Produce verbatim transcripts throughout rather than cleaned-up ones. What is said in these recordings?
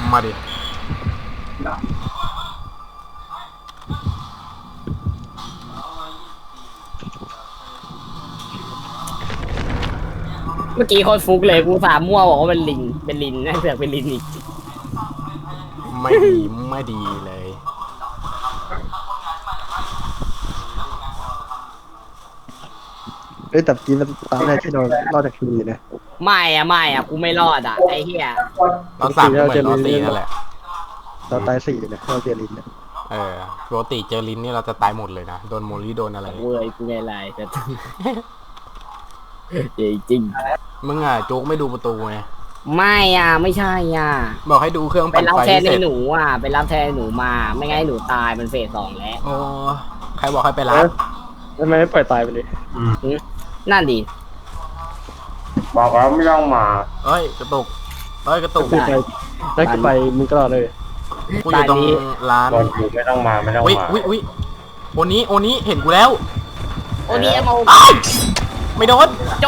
มาดิเมื่อกี้โคตรฟุกเลยกูสามมั่วบอกว่าเป็นลิงเป็นลินน่าเสือกเป็นลินอีกไม่ดีไม่ดีเลยเอ้ยแต่กี้มันตามได้ที่เรารอดจากทีนะไม่อะไม่อะกูไม่รอดอะไอ้เหี้ยเราสามก็เหมือนเราสี่นั่นแหละเราตายสี่นะเราเจอลินเนี่ยเออปกติเจอลินนี่เราจะตายหมดเลยนะโดนโมลี่โดนอะไรเว้ยกูไงไรแต่จริงมึงอ่ะโจ๊กไม่ดูประตูไงไม่อ่ะไม่ใช่อ่ะบอกให้ดูเครื่องปั่นไฟไปรับแทนในหนูอ่ะไปรับแทนหนูมาไม่งั้นหนูตายมันเฟสสองแล้วโอ้ใครบอกให้ไปรับทำไมไม่ปล่อยตายไปเลยนั่นดิบอกแล้วไม่ต้องมาเอ้ยกระตุกเอ้ยกระตุกได้ได้ไปมึงก็รอเลยกูอยู่ตรงร้านบอกอยู่ไม่ต้องมาไม่ต้องมาอุ้ยอุ้ยโอนี้โอนี้เห็นกูแล้วโอนี้มาไม่โดนโจ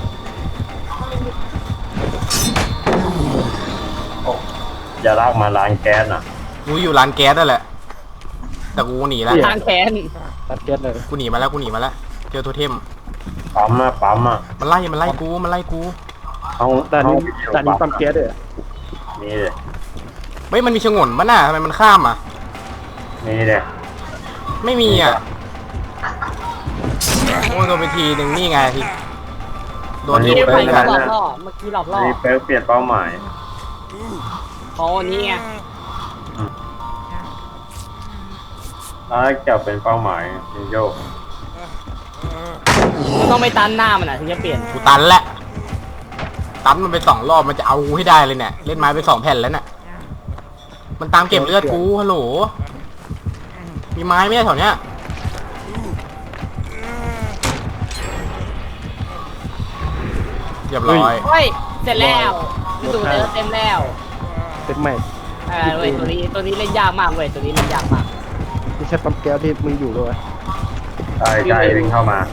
อย่าลากมาร้านแก๊สน่ะกูอยู่ร้านแก๊สนั่นแหละแต่กูหนีแล้วทางแขนร้านแก๊สเลยกูหนีมาแล้วกูหนีมาแล้วเจอโทเทมปั๊มอะปั๊มอะมันไล่มันไล่กูมันไล่กูเอาแต่นี้แต่นี้ปั๊มแก๊สเลยนี่เลยเฮ้ยมันมีชงนป่ะน่ะทำไมมันข้ามอ่ะนี่เลยไม่มีอ่ะโอ้โดนไปทีหนึ่งนี่ไงทีโดนที่ไปหลอกล่อเมื่อกี้หลอกล่อนี่เป๊ะเปลี่ยนเป้าหมายเขาอันนี้ไงถ้าจะเป็นเป้าหมายนิโยกมันต้องไปตันหน้ามันอ่ะถึงจะเปลี่ยนกูตันแหละตันมันไปสองรอบมันจะเอาให้ได้เลยเนี่ยเล่นไม้ไปสองแผ่นแล้วเนี่ยมันตามเก็บเลือดกูฮัลโหลมีไม้ไหมแถวเนี้ยเรียบร้อยเฮ้ยเสร็จแล้วดูเนื้อเต็มแล้วเต็มใหม่เออเว้ยตัวนี้ตัวนี้เล่นยากมากเว้ยตัวนี้เล่นยากมากไม่ใช่ปั๊มแก๊สที่มึงอยู่ด้วยใช่ใช่วิ่งเข้ามา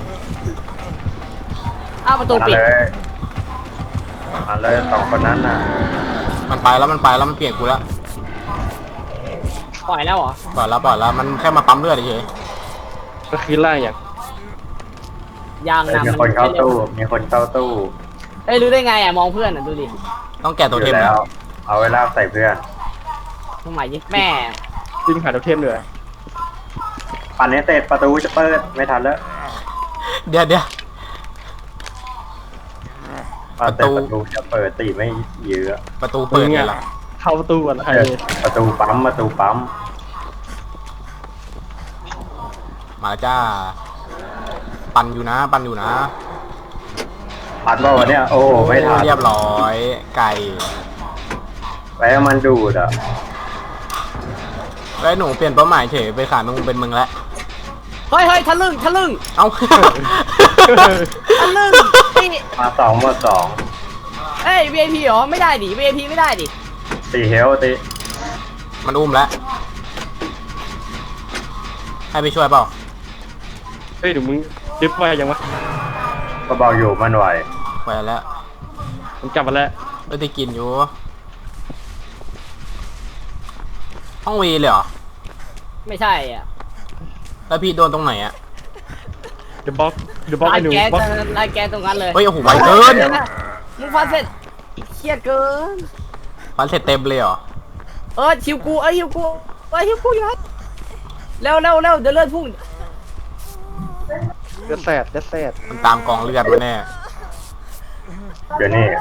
อ้าวประตูปิดมาเลยสองคนนั้นน่ะมันไปแล้วมันไปแล้วมันเปลี่ยนกูแล้วปล่อยแล้วเหรอปล่อยแล้วปล่อยแล้วมันแค่มาปั๊มเลือดเฉยก็คือล่างอย่างยางนำมีคนเข้าตู้มีคนเข้าตู้เอ้ยรู้ได้ไงอ่ะมองเพื่อนอ่ะดูดิต้องแกะตัวเทมแล้วเอาไว้ลากใส่เพื่อนทำไมยิ่งแม่วิ่งหาตัวเทมเลยปั่นนี้เสร็จประตูจะเปิดไม่ทันแล้วเดี๋ยวเดี๋ยวประตูประตูจะเปิดตีไม่เยอะประตูเปิดไงล่ะเข้าประตูก่อนใครประตูปั๊มประตูปั๊มมาจ้าปั่นอยู่นะปั่นอยู่นะปั่นบ่าวะเนี่ยโอ้ไม่ทันเรียบร้อยไก่ไว้มันดูดอ่ะไอ้หนูเปลี่ยนเป้าหมายเฉยไปขามึงเป็นมึงแล้วเฮ้ยเฮ้ยทะลึ่งทะลึ่งเอาทะลึ่งมาสองมาสองเอ้ย วี ไอ พี เหรอไม่ได้ดิ วี ไอ พี ไม่ได้ดิตีเฮลตีมันอุ้มแล้วให้ไปช่วยเปล่าเฮ้ยเดี๋ยวมึงดิฟไว้ยังวะก็บอกอยู่มันไหวไหวแล้วมันกลับมาแล้วไม่ได้กินอยู่ห้องวีเลยเหรอไม่ใช่อ่ะแล้วพี่โดนตรงไหนอ่ะเดี๋ยวบล็อกเดี๋ยวบล็อกไอ้หนูบล็อกไล่แกตรงนั้นเลยเฮ้ยโอ้โหไวเกินมึงฟันเสร็จเครียดเกินฟันเสร็จเต็มเลยเหรอเออชิวกูเอ้ยชิวกูเอ้ยชิวกูอยู่เร็วเร็วเร็วเดี๋ยวเลือดพุ่งเลือดแสดเลือดแสดมันตามกองเลือดมาแน่เดี๋ยวนี้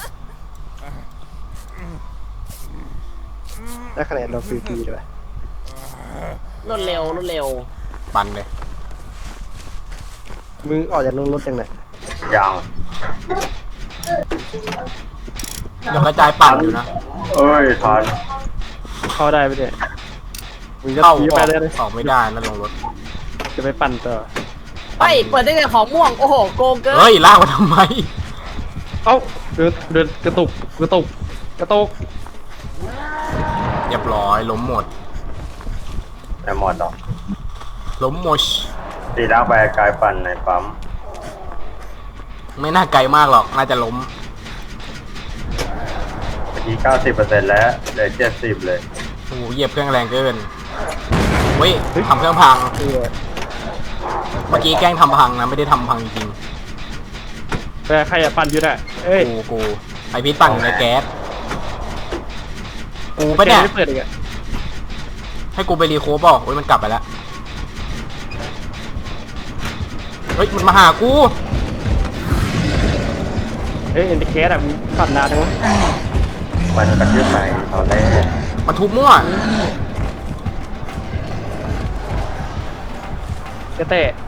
ได้คะแนนเราฟรีๆเลยรวดเร็วรวดเร็วปันเลยมึงออกจากรถยังไงยังยังกระจายปั่นอยู่นะเอ้ยทันเข้าได้ไหมเนี่ยมึงจะเข้าไปได้เลยออกไม่ได้นะลงรถจะไปปั่นต่อไปเปิดได้ไงของม่วงโอ้โหโกงเกินเฮ้ยลากมาทำไมเอ้าเดินเดินกระตุกกระตุกกระตุกเรียบร้อยล้มหมดแต่หมดหรอล้มหมดตีลากไปกายปั่นในปั๊มไม่น่าไกลมากหรอกน่าจะล้มอีกเก้าสิบเปอร์เซ็นต์แล้วเหลือเจ็ดสิบเลยโอ้โหเหยียบเครื่องแรงเกินเฮ้ยทำเครื่องพังเออเมื่อกี้แกล้งทำพังนะไม่ได้ทำพังจริงแต่ใครอะปั่นอยู่น่ะเอ้ยๆกูกูไอพีทปั่นอยู่ในแก๊สกูปะเนี่ยแกไม่เปิดอีกอะให้กูไปรีโคฟเปล่าโอ้ยมันกลับไปแล้วเฮ้ยมันมาหากูเฮ้ยเอ็นดิแคสอะมันปั่นนานจังวะมันกระยืดไหนตอนแรกมันทุบมั่วกระเตะ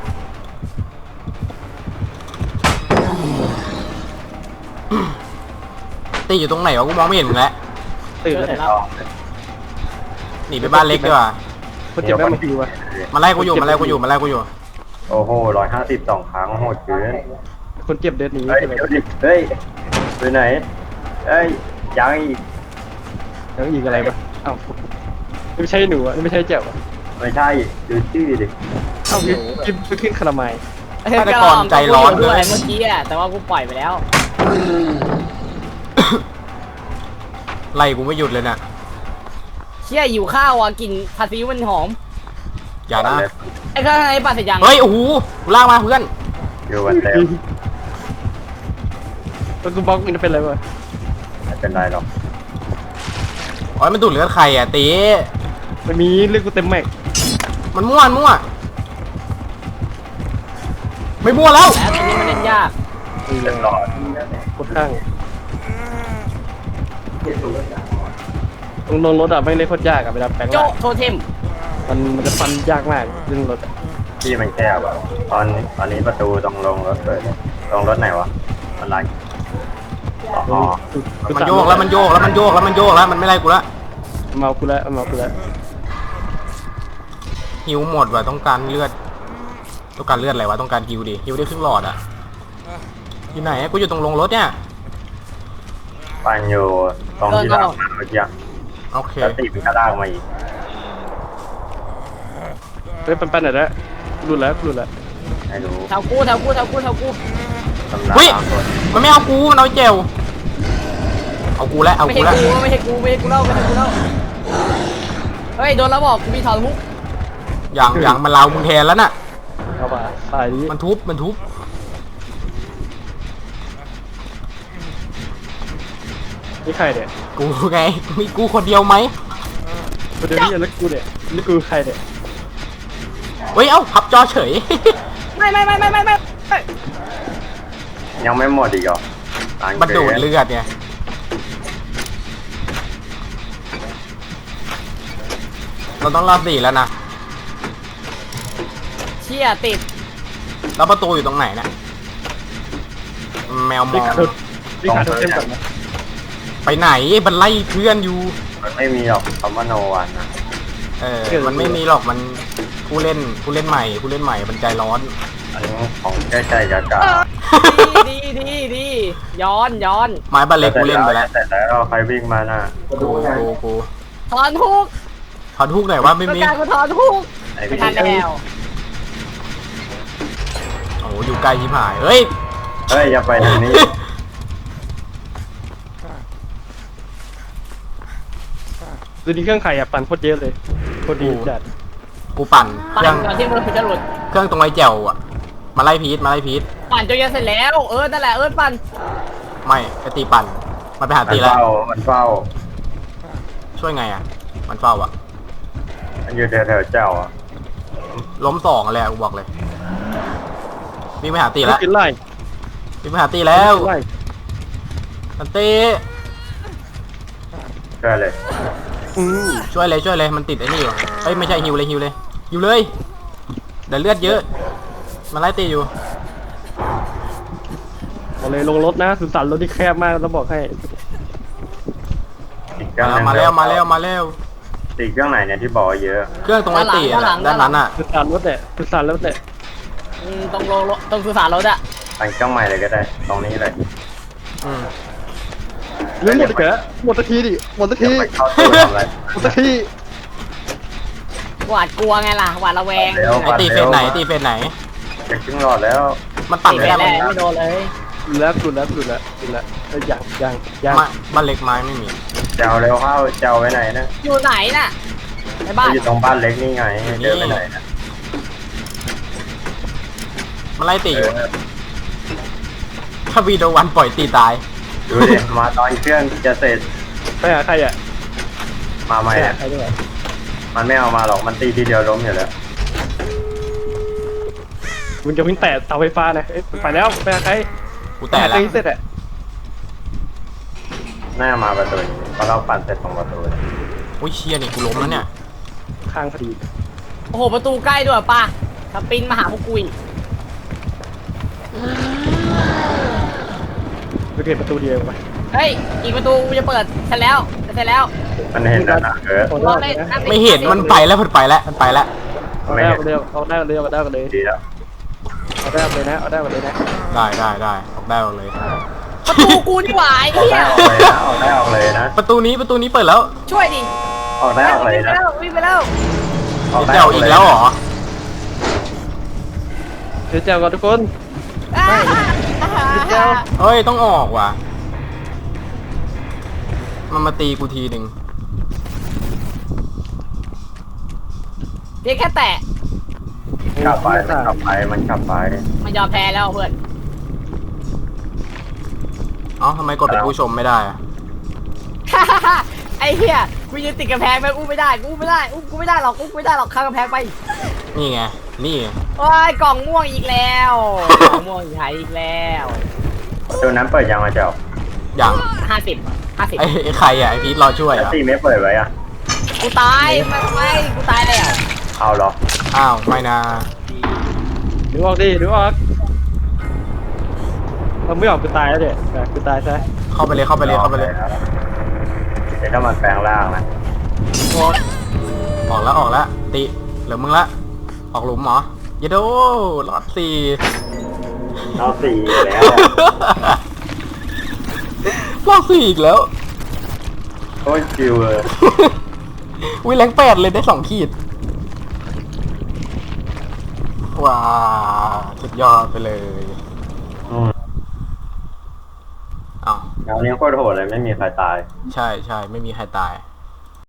ตีอยู่ตรงไหนวะกูมองไม่เห็นมึงแล้วตื่นแล้วเสร็เนี่ยจแล้วหนีไปบ้านเล็กดีกว่าคนเจ็บแม่งมาคิวอะมาไล่กูอยู่มาไล่กูอยู่มาไล่กูอยู่โอ้โหร้อยห้าสิบสองครั้งโหดเกินคนเจ็บเดินหนีเฮ้ยใช่ไหมเดี๋ยวดิเฮ้ยไปไหนเฮ้ยยังอีกแล้วยิงอะไรปะเอ้าไม่ใช่หนูอะไม่ใช่เจ็บอะไม่ใช่ดูชื่อดิเอ้ากินไปขึ้นคาราไมล์ฆาตกรใจร้อนด้ด้ววย ยเมื่อกี้อะแต่ว่ากูปล่อยไปแล้วไล่กูไม่หยุดเลยน่ะเชี่ยหิวข้าวอ่ะกลิ่นผัดซีอิ๊วมันหอมอย่านะไอ้ข้างในปลาเสร็จยังเฮ้ยโอ้โหกูลากมาเพื่อนอยู่วันแล้วแล้วกูบล็อกมันเป็นอะไรวะไม่เป็นไรหรอกโอ้ยมันดูดเลือดใครอ่ะตีไม่มีเรื่องกูเต็มแม็กมันมั่วมันมั่วไม่มั่วแล้วแล้วตรงนี้มันเล่นยากเป็นหลอดกดข้างตรงลงรถอะไม่งเล่นโคตรยากอะเวลาแปลงโจร่างโทเทมมันมันจะฟันยากมากเรื่องรถอะที่มันแคบอ่ะตอนตอนนี้ประตูตรงลงรถเปิดลงรถไหนวะอะไรอ๋อมันโยกแล้วมันโยกแล้วมันโยกแล้วมันโยกแล้วมันไม่ไล่กูละเมากูแล้วเมากูแล้วหิวหมดว่ะต้องการเลือดต้องการเลือดอะไรวะต้องการฮิวดิฮิวได้ครึ่งหลอดอ่ะอยู่ไหนอะกูอยู่ตรงลงรถเนี่ยปันอยู่ตรงที่ลากมาเมื่อกี้โอเคแล้วตีมันก็ลากมาอีกเฮ้ยปันปันไหนแล้วรุนแล้วรุนแล้วให้รู้แถวกูแถวกูแถวกูแถวกูตำราเฮ้ยตามกฎมันไม่เอากูมันเอาเจลเอากูแล้วเอาไม่กูใช่แล้วกูไม่ใช่กูไม่ใช่กูเล่าไม่ใช่กูเล่าเฮ้ยโดนแล้วบอกกูมีถอนมุกอย่างอย่างมันลาวมึงแทนแล้วน่ะเอาป่ะตายดิมันทุบมันทุบนี่ใครเนี่ยกูไงมีกูคนเดียวไหมคนเดียวนี่แล้วกูเนี่ยนี่กูใครเนี่ยเฮ้ยเอ้าพับจอเฉยไม่ไม่ไม่ไม่ไม่ไม่ไม่ยังไม่หมดอีกเหรอตามมันดูดเกรเลือดไงเราต้องรอบสี่แล้วนะเชี่ยติดแล้วประตูอยู่ตรงไหนน่ะแมวมนี่องขาดนี่ขาดเต็มก่อนนะไปไหนมันไล่เพื่อนอยู่มันไม่มีหรอกคำว่าโนวันนะเออมันไม่มีหรอกมันผู้เล่นผู้เล่นใหม่ผู้เล่นใหม่มันใจร้อนอันนี้ของใกล้ใจกากาดีดีดีดีย้อนย้อนไม้บาเล็กกูเล่นไปแล้วเสร็จแล้วใครวิ่งมาน่ะกูกูกูถอนทุกถอนทุกหน่อยว่าไม่ต้องมีการกูถอนทุกไอ้ไม่พี่ทันแล้วโอ้โหอยู่ไกลชิบหายเฮ้ยเฮ้ยอย่าไปทางนี้ดูนี่เครื่องไข่อะปั่นโคตรเยอะเลยโคตรดีจัดกูปั่นเคปั่นรื่องก่อนที่มันจะหลุดเครื่องตรงไอ้แจ่วอ่ะมาไล่พีทมาไล่พีทปั่นจนจะเสร็จแล้วเออนั่นแหละเออปั่นไม่ไอตีปั่นมันไปหามันตีแล้วเฝ้ามันเฝ้าช่วยไงอ่ะมันเฝ้าอ่ะมันอยู่แถวๆเจ้าอ่ะล้มสองเลยอะกูบอกเลยวิ่งไปหาตีแล้วกินไล่วิ่งไปหาตีแล้วไล่อันตีเชื่อเลยอืมช่วยเลยช่วยเลยมันติดไอ้นี่อยู่เอ้ยไม่ใช่ฮิวเลยฮิวเลยฮิวเลยเดี๋ยวเลือดเยอะมันไล่ตีอยู่เอาเลยลงรถนะสุสานรถที่แคบมากต้องบอกให้อีกเครื่องหนึงมาแล้วมาแล้วมาแล้วอีกเครื่องไหนเนี่ยที่บอกว่าเยอะเครื่องตรงไอ้ตีอะด้านนั้นอ่ะสุสานรถเนี่ยสุสานรถเนี่ยอืมตรงโลโลตรงสุสานรถอะตั้งเครื่องใหม่เลยก็ได้ ตรงนี้เลยอืมเรื่องหมดอีกแล้วหมดสักทีดิหมดสักเดี๋ยทีวไปเข้าตู้ทำอะไรหมดสักทีหวาดกลัวไงล่ะหวาดระแวงเร็วไอตีเฟสไหนตีเฟสไหนจะครึ่งหลอดแล้วมันปั่นติดไม่แล้ได้วไม่โดนเลยหลุดแล้วหลุดแล้วหลุดแล้วหลุดแล้วเอ้ยยังยังยังไม้บ้านเล็กไม้ไม่มีเจ้าเร็วเข้าเจ้าไปไหนนะอยู่ไหนน่ะในบ้านอยู่ตรงบ้านเล็กนี่ไงเดินไปไหนนะมันไล่ตีเออยู่อถ้าวีโดวันปล่อยตีตายดูดิมาตอนเครื่องจะเสร็จไปหาใครอ่ะมาใหม่ไปหาอะใครด้วยมันไม่เอามาหรอกมันตีทีเดียวล้มอยู่แล้วมึงจะวิ่งแตะเสาไฟฟ้านะเอ้ยไปแล้วไปหาใครกูแต่หาละใครเสร็จอ่ะหน้ามาประตูนี้เพราะเราปั่นเสร็จตรงประตูเลยอุ้ยเชียนี่กูล้มแล้วเนี่ยข้างพอดีโอ้โหประตูใกล้ด้วยป่ะสปรินมาหาพวกกูอีกไปเก็บประตูเดียวไปเฮ้ยอีกประตูกูจะเปิดเสร็จแล้วเสร็จแล้วมันเห็นแล้วนะเออเอารได้อเลเล่ยนนะนั่งไม่เห็นมันไปแล้วมันไปแล้วมันไปแล้วเอาได้กันเลยเอาได้กันเลยเอาได้กันเลยดีแล้วเอาได้กันเลยนะเอาได้กันเลยนะได้ได้ได้ออกได้ออกเลยประตูกูนี่หว่าไอ้ออกเหี้ได้ยออกเลยนะออกได้ออกเลยนะประตูนี้ประตูนี้เปิดแล้วช่วยดิออกได้ออกเลยวิ่งไปนะแล้ววิ่งไปแล้วออกได้เจ้าอีกแล้วเหรอเดี๋ยวเจอกันทุกคนอ่าเดี๋ยวเอ้ยต้องออกว่ะมันมาตีกูทีหนึ่งเพียงแค่แตะขับไปมันขับไปมันขับไปมันยอมแพ้แล้วเพื่อนเอ้าทำไมกดเป็นผู้ชมไม่ได้อะไอ้เหี้ยกูยืนติดกำแพงไปอุ้มไม่ได้กูอุ้มไม่ได้อุ้มกูไม่ได้หรอกอุ้มกูไม่ได้หรอกข้ามกำแพงไปนี่ไงนี่ไงโอ้ยกล่องม่วงอีกแล้วกล่องม่วงหายอีกแล้วประตูนั้นเปิดยังมาเจ้าอย่างห้าสิบห้าสิบไอ้ไอ้ใครอ่ะไอ้พีทรอช่วยแล้วอ่ะตีไม่เปิดไว้อะกูตายไม่ไม่กูตายแล้วเอาหรออ้าวไม่นะดูออกดิดูออกเราไม่ออกกูตายแล้วเดี๋ยวกูตายซะเข้าไปเลยเข้าไปเลยเข้าไปเลยเดี๋ยวถ้ามันแปลงร่างนะออกแล้วออกแล้วติเหลือมึงละออกหลุมเหรอเยโดรอดสี่เอาสี่แล้วรอดสี่อีกแล้วโคตรชิวเลยวิแรงแปดเลยได้สองขีดว้าสุดยอดไปเลยอืมอ้าวแล้วนี้โคตรโหดเลยไม่มีใครตายใช่ใช่ไม่มีใครตาย